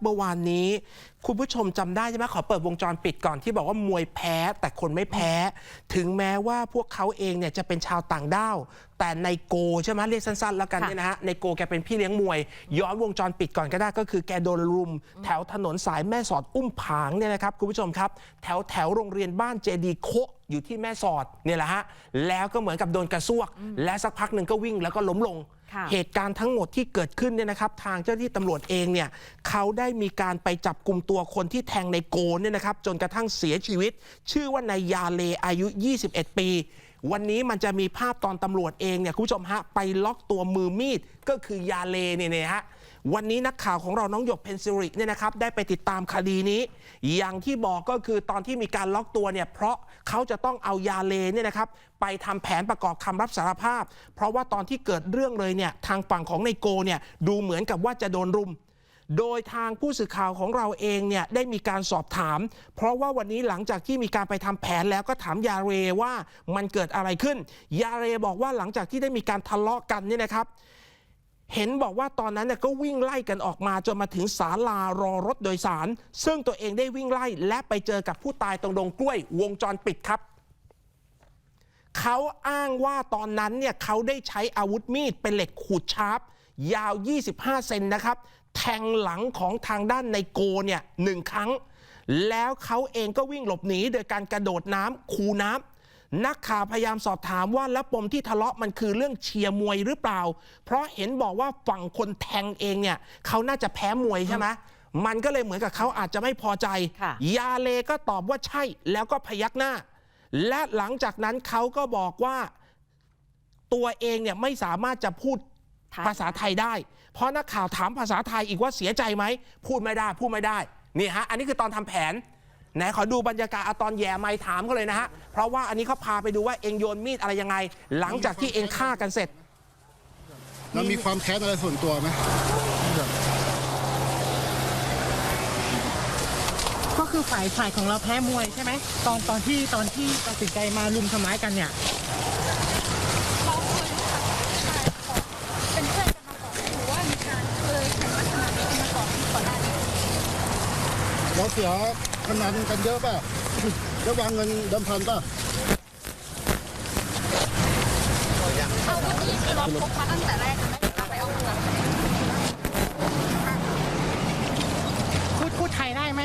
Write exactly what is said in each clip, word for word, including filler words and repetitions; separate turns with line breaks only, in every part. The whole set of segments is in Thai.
มื่อวานนี้คุณผู้ชมจำได้ใช่ไหมขอเปิดวงจรปิดก่อนที่บอกว่ามวยแพ้แต่คนไม่แพ้ถึงแม้ว่าพวกเขาเองเนี่ยจะเป็นชาวต่างด้าวแต่ในโกใช่ไหมเรียกสั้นๆแล้วกันเนี่ยนะฮะในโกแกเป็นพี่เลี้ยงมวยย้อนวงจรปิดก่อนก็ได้ก็คือแกโดนรุมแถวถนนสายแม่สอดอุ้มผางเนี่ยนะครับคุณผู้ชมครับแถวแถวโรงเรียนบ้านเจดีโคอยู่ที่แม่สอดเนี่ยแหละฮะแล้วก็เหมือนกับโดนกระซวกและสักพักหนึ่งก็วิ่งแล้วก็ล้มลงเหตุการณ์ทั้งหมดที่เกิดขึ้นเนี่ยนะครับทางเจ้าหน้าที่ตำรวจเองเนี่ยเขาได้มีการไปจับกลุ่มตัวคนที่แทงในโกเนี่ยนะครับจนกระทั่งเสียชีวิตชื่อว่านายยาเลอายุยี่สิบเอ็ดปีวันนี้มันจะมีภาพตอนตำรวจเองเนี่ยคุณผู้ชมฮะไปล็อกตัวมือมีดก็คือยาเลเนี่ยฮะวันนี้นักข่าวของเราน้องหยกเพนซิริเนี่ยนะครับได้ไปติดตามคดีนี้อย่างที่บอกก็คือตอนที่มีการล็อกตัวเนี่ยเพราะเขาจะต้องเอายาเลเนี่ยนะครับไปทำแผนประกอบคำรับสารภาพเพราะว่าตอนที่เกิดเรื่องเลยเนี่ยทางฝั่งของไนโกเนี่ยดูเหมือนกับว่าจะโดนรุมโดยทางผู้สื่อข่าวของเราเองเนี่ยได้มีการสอบถามเพราะว่าวันนี้หลังจากที่มีการไปทำแผนแล้วก็ถามยาเรว่ามันเกิดอะไรขึ้นยาเรบอกว่าหลังจากที่ได้มีการทะเลาะกันเนี่ยนะครับเห็นบอกว่าตอนนั้นเนี่ยก็วิ่งไล่กันออกมาจนมาถึงศาลารอรถโดยสารซึ่งตัวเองได้วิ่งไล่และไปเจอกับผู้ตายตรงดงกล้วยวงจรปิดครับเขาอ้างว่าตอนนั้นเนี่ยเขาได้ใช้อาวุธมีดเป็นเหล็กขูดชาร์ปยาวยี่สิบห้าเซนนะครับแทงหลังของทางด้านในโกเนี่ยหนึ่งครั้งแล้วเขาเองก็วิ่งหลบหนีโดยการกระโดดน้ำคูน้ำนักข่าวพยายามสอบถามว่าแล้วปมที่ทะเลาะมันคือเรื่องเชียร์มวยหรือเปล่าเพราะเห็นบอกว่าฝั่งคนแทงเองเนี่ยเขาน่าจะแพ้มวยใช่ไหมมันก็เลยเหมือนกับเขาอาจจะไม่พอใจยาเลก็ตอบว่าใช่แล้วก็พยักหน้าและหลังจากนั้นเขาก็บอกว่าตัวเองเนี่ยไม่สามารถจะพูดภาษาไทยได้เพราะนักข่าวถามภาษาไทยอีกว่าเสียใจไหมพูดไม่ได้พูดไม่ได้นี่ฮะอันนี้คือตอนทำแผนไหนขอดูบรรยากาศตอนแย่ไม้ถามเขาเลยนะฮะเพราะว่าอันนี้เขาพาไปดูว่าเองโยนมีดอะไรยังไงหลังจากที่เองฆ่ากันเสร็จ
แล้วมีความแค้นอะไรส่วนตัวไหม
ก็คือฝ่ายฝ่ายของเราแพ้มวยใช่ไหมตอนตอนที่ตอนที่ตัดสินใจมาลุมทำร้ายกันเนี่ย
เราเคยรู้จักเป็นเพื่อนกันมาก่อนหรือว่ามีการเคยแข่งลักษณะนี้กันมาก่อนก่อนหน้านี้
เราเสียพนันกันเยอะป่ะแล้ววางเงินเดิมพันป่ะ
อาวุธนี้คือเราพกมาตั้งแต่แรกไหมไปเอามา
พูดพูดไทยได้ไหม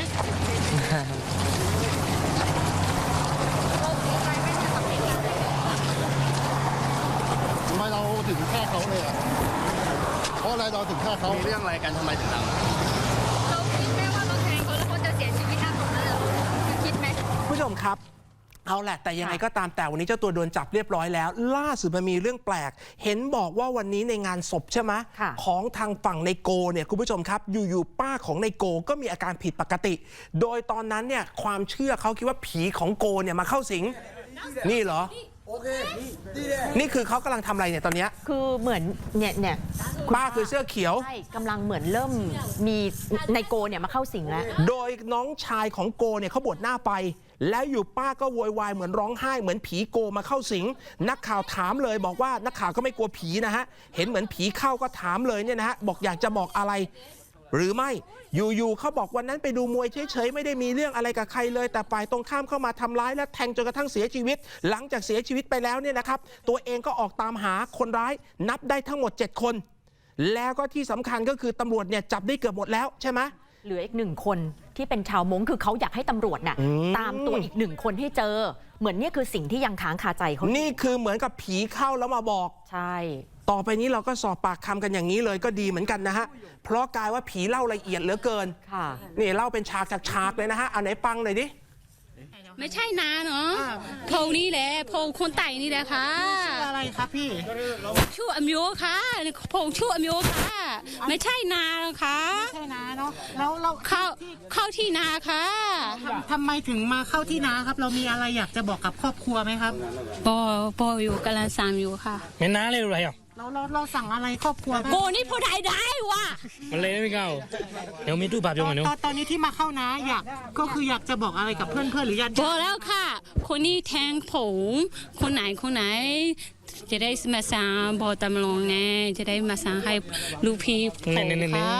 ทำไมเราถึงฆ่าเขาเลยอ่ะเพราะอะไรเราถึงฆ่าเขา
มีเรื่องอะไรกันทำไมถึงเรา
เราคิดไหมว่าเราแทงเขาแล้วเขาจะเสียชีวิตตรงนั้นเลยคิดไหม
ผู้ชมครับเอาแหละแต่ยังไงก็ตามแต่วันนี้เจ้าตัวโดนจับเรียบร้อยแล้วล่าสุดมันมีเรื่องแปลกเห็นบอกว่าวันนี้ในงานศพใช่ไหมของทางฝั่งในโกเนี่ยคุณผู้ชมครับอยู่ๆป้าของในโกก็มีอาการผิดปกติโดยตอนนั้นเนี่ยความเชื่อเขาคิดว่าผีของโกเนี่ยมาเข้าสิงนี่เหรอนี่คือเขากำลังทำอะไรเนี่ยตอนนี้
คือเหมือนเนี่ยเนี่ย
ป้าคือเสื้อเขียว
ใช่กำลังเหมือนเริ่มมีในโกเนี่ยมาเข้าสิงแล้ว
โดยน้องชายของโกเนี่ยเขาบวชหน้าไปแล้วอยู่ป้าก็โวยวายเหมือนร้องไห้เหมือนผีโกมาเข้าสิงนักข่าวถามเลยบอกว่านักข่าวก็ไม่กลัวผีนะฮะเห็นเหมือนผีเข้าก็ถามเลยเนี่ยนะฮะบอกอยากจะบอกอะไรหรือไม่อยู่ๆเขาบอกวันนั้นไปดูมวยเฉยๆไม่ได้มีเรื่องอะไรกับใครเลยแต่ฝ่ายตรงข้ามเข้ามาทำร้ายและแทงจนกระทั่งเสียชีวิตหลังจากเสียชีวิตไปแล้วเนี่ยนะครับตัวเองก็ออกตามหาคนร้ายนับได้ทั้งหมดเจ็ดคนแล้วก็ที่สำคัญก็คือตำรวจเนี่ยจับได้เกือบหมดแล้วใช่ไหม
เหลืออีกหนึ่งคนที่เป็นชาวมงคือเขาอยากให้ตำรวจน่ะตามตัวอีกหนึ่งคนให้เจอเหมือนนี่คือสิ่งที่ยังค้างคาใจเขา
นี่คือเหมือนกับผีเข้าแล้วมาบอก
ใช่
ต่อไปนี้เราก็สอบปากคำกันอย่างนี้เลยก็ดีเหมือนกันนะฮะเพราะกลายว่าผีเล่าละเอียดเหลือเกิน
ค่ะ
นี่เล่าเป็นฉากจากฉากเลยนะฮะเอาไหนปังหน่อยดิ
ไม่ใช่นาเนาะพงนี่แหละพงคนไต่นี่แหละค่ะ
ชื่ออะไรครับพี่
ชื่ออมิโอค่ะพงชื่ออมิโอค่ะไม่ใช่นาค่ะ
ไม่ใช่นาเนาะแล้วเรา
เข้าเข้าที่นาค่ะ
ทำไมถึงมาเข้าที่นาครับเรามีอะไรอยากจะบอกกับครอบครัวไหมครับ
ปอปออยู่กำลังสั่งอยู่ค่ะ
ไม่นาเลยอะไรอ่ะ
เราเราเราสั่งอะไรครอบครัว
โกนี่พูดไทยได้วะ
มันเลยไม่เข้าเดี๋ยวมีตู้ปรับยงกัน
เนาะตอนนี้ที่มาเข้านะอยากก็คืออยากจะบอกอะไรกับเพื่อนเพื่อนหรือญาติ
บอกแล้วค่ะคนนี้แทงผมคนไหนคนไหนจะได้มาสั่งบอกตำรวจไงจะได้มาสั่งให้ลูกพี่ผมค่ะ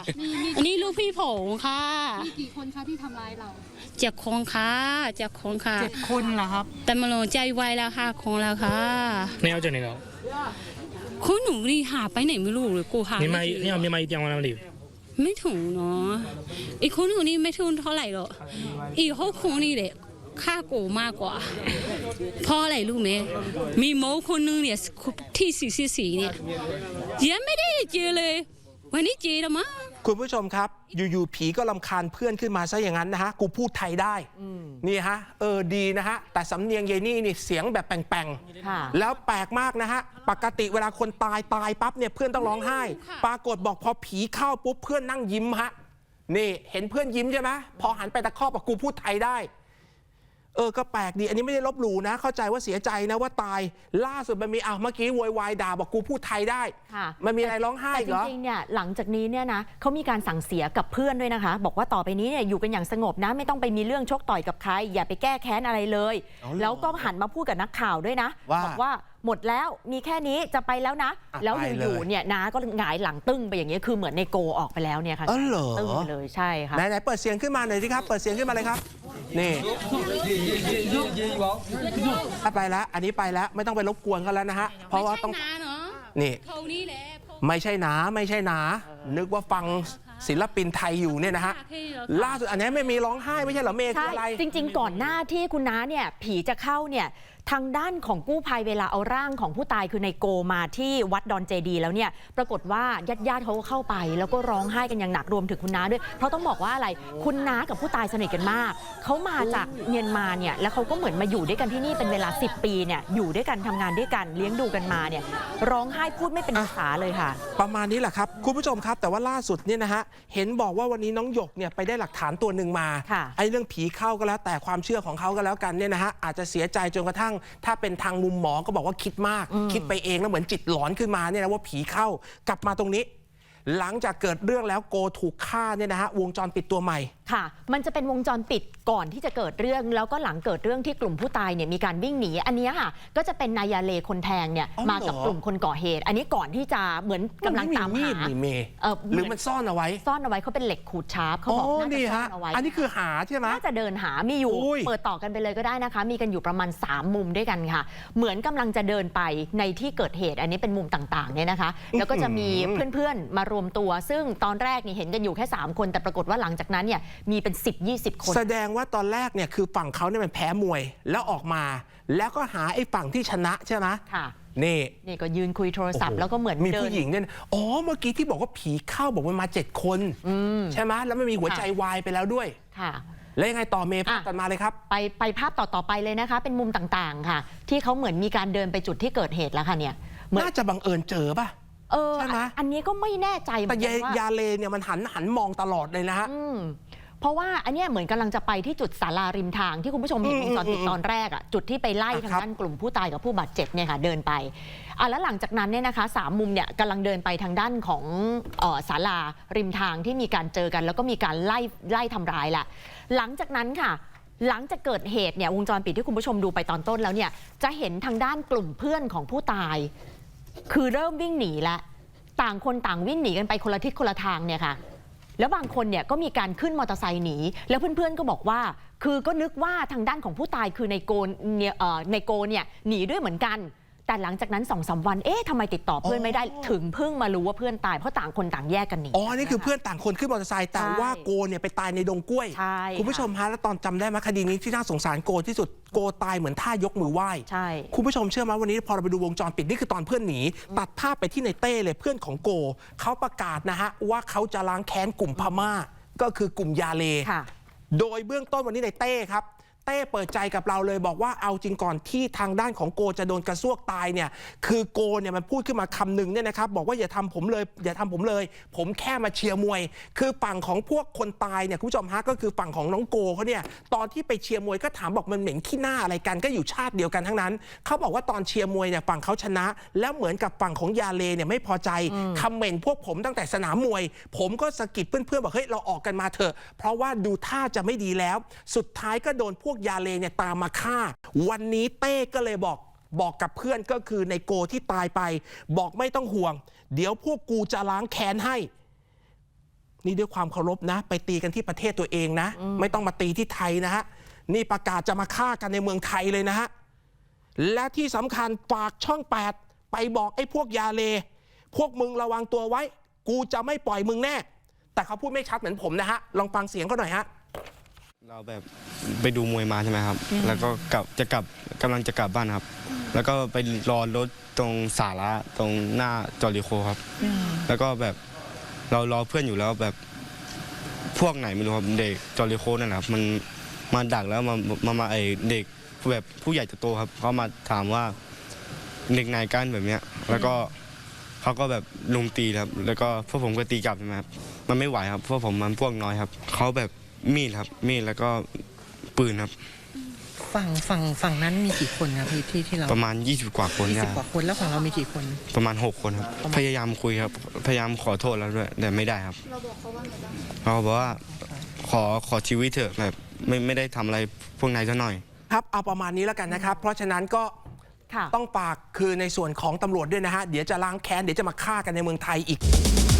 อันนี้ลูกพี่ผมค่ะ
มีกี่คนคะที่ทำร้ายเรา
เจ็บคงค่ะเจ็บคงค่ะ
เจ็ดคนเหรอครับ
แต่มาลงใจไวแล้วค่ะคงแล้วค่ะ
你要这那个，
คุณหนูนี่หาไปไหนไม่รู้เลยกูหา
你
ไม่
买
เจอ
你要你买一电话那里，
ไม่ถึงเนาะอีกคนหนูนี่ไม่ถึงเท่าไหร่หรอกอีกหกคนนี่แหละค่ากูมากกว่าเพราะอะไรรู้ไหมมีโมคนนึงเนี่ยที่สี่สี่สี่เนี่ยยังไม่ได้เจอเลยวันนี้เจอแล้วมั้ง
คุณผู้ชมครับ อยู่ๆผีก็รำคาญเพื่อนขึ้นมาซะอย่างนั้นนะฮะ กูพูดไทยได้นี่ฮะ เออดีนะฮะ แต่สำเนียงยายนี่นี่เสียงแบบแป่ง
ค่ะ
ๆ แล้วแปลกมากนะฮะ ปกติเวลาคนตายตายปั๊บเนี่ยเพื่อนต้องร้องไห้ ปรากฏบอกพอผีเข้าปุ๊บเพื่อนนั่งยิ้มฮะ นี่เห็นเพื่อนยิ้มใช่ไหมพอหันไปตะคอกบอกกูพูดไทยได้ เออ ก็แปลกดี อันนี้ไม่ได้ลบหลู่นะ เข้าใจว่าเสียใจนะว่าตาย ล่าสุดมันมีอ่ะเมื่อกี้โวยวายด่าบอกกูพูดไทยได้
ค่ะ
มันมีอะไรร้องไห้
แต่
อีก
จ
เหรอ
ริงๆ เนี่ยหลังจากนี้เนี่ยนะเขามีการสั่งเสียกับเพื่อนด้วยนะคะ บอกว่าต่อไปนี้เนี่ยอยู่กันอย่างสงบนะ ไม่ต้องไปมีเรื่องชกต่อยกับใคร อย่าไปแก้แค้นอะไรเลย
เอาเหรอ
แล้วก็หันมาพูดกับนักข่าวด้วยนะ
ว่า
บอกว่าหมดแล้วมีแค่นี้จะไปแล้วนะ
อ่ะ
แล้ว
ไป
อ
เลย
ยู่ๆเนี่ยน้าก็หงายหลังตึ้งไปอย่างเงี้ยคือเหมือนในโกออกไปแล้วเนี่ยค่ะ
อ๋อเหรอ
ตึ้งไปเลยใช่ค่ะ
ไหนไหนเปิดเสียงขึ้นมาหน่อยสิครับ เปิดเสียงขึ้นมาเลยครับ นี่ถ้าไปแล้ว อันนี้ไปแล้ว ไม่ต้องไปรบกวนกันแล้วนะฮะ เพราะว่าต้อง
ไม่ใช่นะเนาะ
นี่
เขานี่แหละเขา
ไม่ใช่หนา ไม่ใช่หนา นึกว่าฟังศิลปินไทยอยู่เนี่ยนะฮะ ล่าสุดอันนี้ไม่มีร้องไห้ไม่ใช่เหรอเมย์คือ
ใช่
อะไร
จริงๆ ก่อนหน้าที่คุณน้าเนี่ยผีจะเข้าเนี่ยทางด้านของกู้ภัยเวลาเอาร่างของผู้ตายคือในโกมาที่วัดดอนเจดีแล้วเนี่ยปรากฏว่าญาติๆเขาก็เข้าไป แล้วก็ร้องไห้กันอย่างหนักรวมถึงคุณน้าด้วย เพราะต้องบอกว่าอะไรคุณน้ากับผู้ตายสนิทกันมากเขามาจากเมียนมาเนี่ยแล้วเขาก็เหมือนมาอยู่ด้วยกันที่นี่เป็นเวลาสิบปีเนี่ยอยู่ด้วยกันทำงานด้วยกันเลี้ยงดูกันมาเนี่ยร้องไห้พูดไม่เป็นภาษาเลยค่ะ
ประมาณนี้แหละครับ คุณผู้ชมครับ แต่ว่าล่าสุดเนี่ยนะฮะ เห็นบอกว่าวันนี้น้องหยกเนี่ยไปได้หลักฐานตัวหนึ่งมา
ค่ะ
ไอ้เรื่องผีเข้าก็แล้วแต่ความเชื่อของเขาก็แล้วกันเนี่ยนะฮะ อาจจะเสียใจจนกระทั่ง ถ้าเป็นทางมุมหมอก็บอกว่าคิดมาก คิดไปเองแล้วเหมือนจิตหลอนขึ้นมาเนี่ยนะว่าผีเข้ากลับมาตรงนี้ หลังจากเกิดเรื่องแล้วโกถูกฆ่าเนี่ยนะฮะวงจรปิดตัวใหม่
ค่ะ มันจะเป็นวงจรปิดก่อนที่จะเกิดเรื่อง แล้วก็หลังเกิดเรื่องที่กลุ่มผู้ตายเนี่ยมีการวิ่งหนี อันเนี้ยค่ะ ก็จะเป็นนายาเลคนแทงเนี่ย
อ๋อเหรอ
มากับกลุ่มคนก่อเหตุ อันนี้ก่อนที่จะเหมือนกำลังตาม
นไ
หา
นี่เมย์
เอ่อ
หรือมันซ่อนเอาไว้
ซ่อนเอาไว้เขาเป็นเหล็กขูดชาร์ปเขา
อ๋อ
บอกน่าจะ
นี่
ซ่อ
ฮะ
นเอาไว้
อันนี้คือหาใช่ไหม
น่าจะเดินหา มีอยู่
อุ้ย
เปิดต่อกันไปเลยก็ได้นะคะ มีกันอยู่ประมาณสามมุมด้วยกันค่ะ เหมือนกำลังจะเดินไปในที่เกิดเหตุ อันนี้เป็นมุมต่างๆเนี่ยนะคะ แล้วก็จะมีเพื่อนๆ มารวมตัว ซึ่งตอนแรกนี่เห็นกันอยู่แค่สามคน แต่ปรากฏว่าหลังจากนั้นเนี่ยมีเป็นสิบ ยี่สิบ คน
แสดงว่าตอนแรกเนี่ยคือฝั่งเขาเนี่ยมันแพ้มวย แล้วออกมา แล้วก็หาไอ้ฝั่งที่ชนะใช่ไหม
ค่ะ
นี่
นี่ก็ยืนคุยโทรศัพท์แล้วก็เหมือน
มี
เดิ
ผู้
น
หญิงเนี่ยอ๋อเมื่อกี้ที่บอกว่าผีเข้าบอกว่ามาเจ็ดคนใช่ไหมแล้วไม่มีหัวใจวายไปแล้วด้วย
ค่ะ
แล้วยังไงต่อเมย์ภาพ
อ่ะ
ตัดมาเลยครับ
ไปไปภาพต่อ ๆ ไปเลยนะคะ เป็นมุมต่างๆ ค่ะ ที่เขาเหมือนมีการเดินไปจุดที่เกิดเหตุแล้วค่ะเนี่ยเหมือน
น่าจะบังเอิญเจอป่ะ
เออ
ใช่ไหม
อันนี้ก็ไม่แน่ใจเหมื
แต่
อนกั
ยาน
ว่าย
าเลเนี่ยมันหันหันมองตลอดเลยนะฮะ
อืมเพราะว่าอันเนี้ยเหมือนกำลังจะไปที่จุดศาลาริมทางที่คุณผู้ชมเห็น
อื
ว
ม
งจรปิด
อืม
ตอนแรกอ่ะจุดที่ไปไล่
อ่ะ
ทาง
ครับ
ด้านกลุ่มผู้ตายกับผู้บาดเจ็บเนี่ยค่ะเดินไปอ่ะแล้วหลังจากนั้นเนี่ยนะคะสามมุมเนี่ยกำลังเดินไปทางด้านของเอ่อศาลาริมทางที่มีการเจอกัน แล้วก็มีการไล่ไล่ทำร้ายแหละหลังจากนั้นค่ะ หลังจากเกิดเหตุเนี่ยวงจรปิดที่คุณผู้ชมดูไปตอนต้นแล้วเนี่ยจะเห็นทางด้านกลุ่มเพื่อนของผู้ตาย คือเริ่มวิ่งหนีแล้วต่างคนต่างวิ่งหนีกันไปคนละทิศคนละทางเนี่ยค่ะ แล้วบางคนเนี่ยก็มีการขึ้นมอเตอร์ไซค์หนี แล้วเพื่อนๆก็บอกว่า คือก็นึกว่าทางด้านของผู้ตายคือในโกนเนี่ยเอ่อในโกเนี่ยหนีด้วยเหมือนกัน แต่หลังจากนั้นสองสามวันเอ๊ะทำไมติดต่อเพื่อนไม่ได้ถึงเพิ่งมารู้ว่าเพื่อนตายเพราะต่างคนต่างแยกกันหนี
อ๋อ นี่คือเพื่อนต่างคนขึ้นมอเตอร์ไซค์แต่
ใช่
ว่าโกเนี่ยไปตายในดงกล้วย
ใช่
คุณผู้ชมฮะแล้วตอนจำได้ไหมคดีนี้ที่น่าสงสารโกที่สุดโกตายเหมือนท่ายกมือไหว้
ใช่
คุณผู้ชมเชื่อไหมวันนี้พอเราไปดูวงจรปิดนี่คือตอนเพื่อนหนี ตัดภาพไปที่ในเต้เลยเพื่อนของโกเขาประกาศนะฮะว่าเขาจะล้างแค้นกลุ่มพม่าก็คือกลุ่มยาเล
ค่ะ
โดยเบื้องต้นวันนี้ในเต้ครับ เต้เปิดใจกับเราเลยบอกว่าเอาจริงก่อนที่ทางด้านของโกจะโดนกระซวกตายเนี่ยคือโกเนี่ยมันพูดขึ้นมาคำหนึ่งเนี่ยนะครับบอกว่าอย่าทำผมเลยอย่าทำผมเลย ผมแค่มาเชียร์มวย คือฝั่งของพวกคนตายเนี่ยคุณผู้ชมฮะก็คือฝั่งของน้องโกเขาเนี่ยตอนที่ไปเชียร์มวยก็ถามบอกมันเหม็นขี้หน้าอะไรกันก็อยู่ชาติเดียวกันทั้งนั้นเขาบอกว่าตอนเชียร์มวยเนี่ยฝั่งเขาชนะ แล้วเหมือนกับฝั่งของยาเลเนี่ยไม่พอใจคำเหม็นพวกผมตั้งแต่สนามมวย ผมก็สะกิดเพื่อนๆบอกเฮ้ยเราออกกันมาเถอะเพราะว่าดูท่าจะไม่ดีแล้ว สุดท้ายก็โดนพวกยาเลเนี่ยตามมาฆ่าวันนี้เต้ก็เลยบอกบอกกับเพื่อนก็คือในโกที่ตายไปบอกไม่ต้องห่วงเดี๋ยวพวกกูจะล้างแค้นให้นี่ด้วยความเคารพนะ ไปตีกันที่ประเทศตัวเองนะ ไม่ต้องมาตีที่ไทยนะฮะนี่ประกาศจะมาฆ่ากันในเมืองไทยเลยนะฮะและที่สำคัญฝากช่องแปดไปบอกไอ้พวกยาเลพวกมึงระวังตัวไว้ กูจะไม่ปล่อยมึงแน่แต่เขาพูดไม่ชัดเหมือนผมนะฮะลองฟังเสียงเขาหน่อยฮะ
เราแบบไปดูมวยมาใช่ไหมครับ แล้วก็กลับจะกลับกำลังจะกลับบ้านครับ แล้วก็ไปรอรถตรงสาระตรงหน้าจอริโคครับ แล้วก็แบบเรารอเพื่อนอยู่แล้วแบบพวกไหนไม่รู้ครับเด็กจอริโคนั่นแหละครับมันมาดักแล้วมามามาไอเด็กแบบผู้ใหญ่จะโตครับเขามาถามว่าเด็กไหนกันแบบเนี้ยแล้วก็เขาก็แบบลุมตีครับแล้วก็พวกผมก็ตีกลับใช่ไหมครับมันไม่ไหวครับพวกผมมันพวกน้อยครับเขาแบบมีดครับมีดแล้วก็ปืนครับ
ฝั่งฝั่งฝั่งนั้นมีกี่คนครับพี่ที่ที่เรา
ประมาณยี่สิบกว่าคน
ยี่
ได้
สิบกว่าคนแล้วของเรามีกี่คน
ประมาณหกคนครับพยายามคุยครับพยายามขอโทษแล้วด้วยแต่ไม่ได้ครับ
เราบอกเขาว่าไงบ้าง
เขาบอกว่าขอขอชีวิตเถอะแบบไม่ไม่ได้ทำอะไรพวกนายซะหน่อย
ครับเอาประมาณนี้แล้วกันนะครับ เพราะฉะนั้นก็
ค่ะ
ต้องฝากคือในส่วนของตำรวจด้วยนะฮะเดี๋ยวจะล้างแค้นเดี๋ยวจะมาฆ่ากันในเมืองไทยอีก